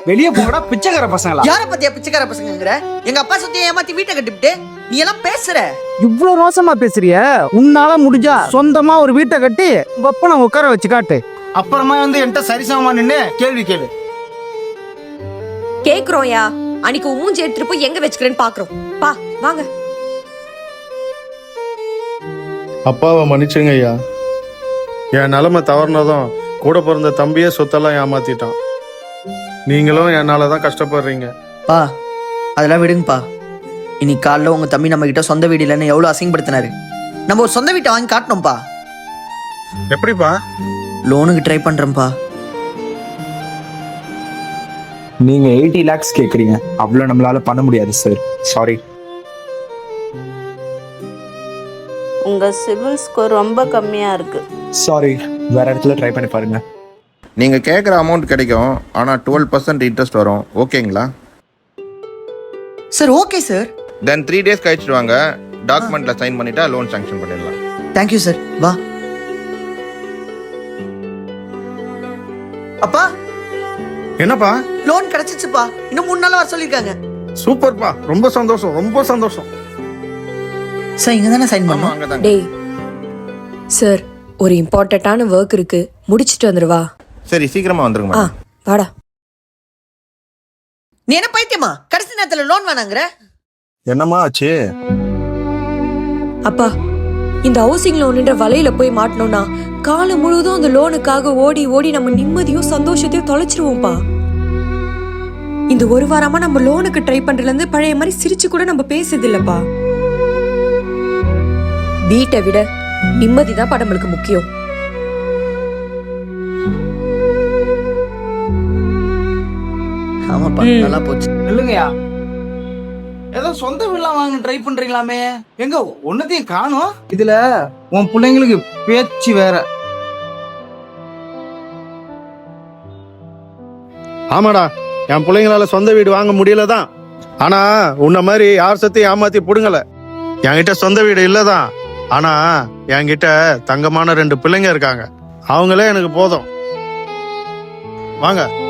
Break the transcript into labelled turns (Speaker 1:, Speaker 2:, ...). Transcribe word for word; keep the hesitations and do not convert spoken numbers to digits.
Speaker 1: வெளியே போங்கடா பிச்சைக்கார பசங்களா.
Speaker 2: யார பத்தியா பிச்சைக்கார பசங்கங்கற? எங்க அப்பா சொத்தைய ஏமாத்தி வீட்டை கட்டிவிட்டு நீ எல்லாம் பேசுற.
Speaker 1: இவ்வளவு ரோசமா பேசுறிய? உன்னால முடிஞ்சா சொந்தமா ஒரு வீட்டை கட்டி உங்க அப்பனை உட்கார வச்சு காட்டு. அப்புறமா வந்து என்கிட்ட சரிசமமா நின்னு கேள்வி கேளு.
Speaker 3: கேக்குறோம்யா. அன்னைக்கு மூஞ்சி எடுத்துட்டு போய் எங்க வச்சுக்கிறேன்னு பாக்குறோம். பா வாங்க.
Speaker 4: அப்பாவை மன்னிச்சுங்க ஐயா. என் நிலைமை தவறுனதும் கூட பிறந்த தம்பியே சொத்தெல்லாம் ஏமாத்திட்டான். நீங்களும் என்னால தான் கஷ்டப்படுறீங்க.
Speaker 2: பா அதெல்லாம் விடுங்கப்பா. இன்னைக்கு காலைல உங்க தம்பி நம்ம கிட்ட சொந்த வீடு இல்லைன்னு எவ்வளவு அசிங்கப்படுத்தினாரு. நம்ம ஒரு சொந்த வீட்டை வாங்கி காட்டணும்ப்பா.
Speaker 4: எப்படிப்பா?
Speaker 2: லோனுக்கு ட்ரை பண்றேன்ப்பா.
Speaker 5: நீங்க எயிட்டி லேக்ஸ் கேக்குறீங்க, அவ்வளவு நம்மளால பண்ண முடியாது சார். சாரி.
Speaker 6: உங்க சிபில் ஸ்கோர் ரொம்ப கம்மியா இருக்கு.
Speaker 5: சாரி, வேற இடத்துல ட்ரை பண்ணி பாருங்க.
Speaker 7: நீங்கள் கேட்குற அமௌண்ட் கிடைக்கும், ஆனால் டுவெல் பர்சன்ட் இன்ட்ரெஸ்ட் வரும். ஓகேங்களா?
Speaker 2: Sir okay sir.
Speaker 7: Then three days கழிச்சிட்டு வாங்க. டாக்குமெண்ட்டில் சைன் பண்ணிட்டா லோன் சாங்ஷன் பண்ணிடலாம்.
Speaker 2: Thank you sir. வா அப்பா.
Speaker 4: என்னப்பா?
Speaker 2: லோன் கிடைச்சிச்சுப்பா. இன்னும் மூணு நாள் வர சொல்லிருக்காங்க.
Speaker 4: சூப்பர்ப்பா, ரொம்ப சந்தோஷம், ரொம்ப சந்தோஷம்.
Speaker 2: சார் இங்க தானே சைன்
Speaker 7: ஆமாம்,
Speaker 2: பண்ணோம்?
Speaker 7: அங்கே தாங்க.
Speaker 3: டேய் சார், ஒரு இம்பார்ட்டன்டான ஒர்க் இருக்கு, முடிச்சிட்டு வந்துருவா.
Speaker 7: சரி, சீக்கிரமாக வந்துருங்க
Speaker 3: ஆ
Speaker 7: மேடம்.
Speaker 3: வாடா.
Speaker 2: நீ என்ன பைத்தியமா? கடைசி நேரத்துல லோன் வேணாங்கிற?
Speaker 4: என்னம்மா ஆச்சு?
Speaker 3: அப்பா, இந்த ஹவுசிங் லோனுன்ற வலையில போய் மாட்டணும்னா காலம் முழுவதும் அந்த லோனுக்காக ஓடி ஓடி நம்ம நிம்மதியும் சந்தோஷத்தையும் தொலைச்சிருவோம்ப்பா. இந்த ஒரு வாரமா நம்ம லோனுக்கு ட்ரை பண்றதுல இருந்து பழைய மாதிரி சிரிச்சு கூட நம்ம பேசுறது இல்லப்பா. வீட்டை விட நிம்மதிதான் பா நம்மளுக்கு முக்கியம்.
Speaker 2: ஆமாப்பா, நல்லா போச்சு.
Speaker 1: இல்லைங்கய்யா, ஏதோ சொந்த வீடெல்லாம் வாங்க ட்ரை பண்றீங்களாமே, எங்க ஒன்னத்தையும் காணோம். இதுல உன் பிள்ளைங்களுக்கு பேச்சு வேற.
Speaker 4: ஆமாடா, என் பிள்ளைங்களால சொந்த வீடு வாங்க முடியலதான். ஆனா உன்ன மாதிரி யார் சத்தையும் ஏமாத்தி புடுங்கல. என்கிட்ட சொந்த வீடு இல்லதான், ஆனா என்கிட்ட தங்கமான ரெண்டு பிள்ளைங்க இருக்காங்க. அவங்களே எனக்கு போதும். வாங்க.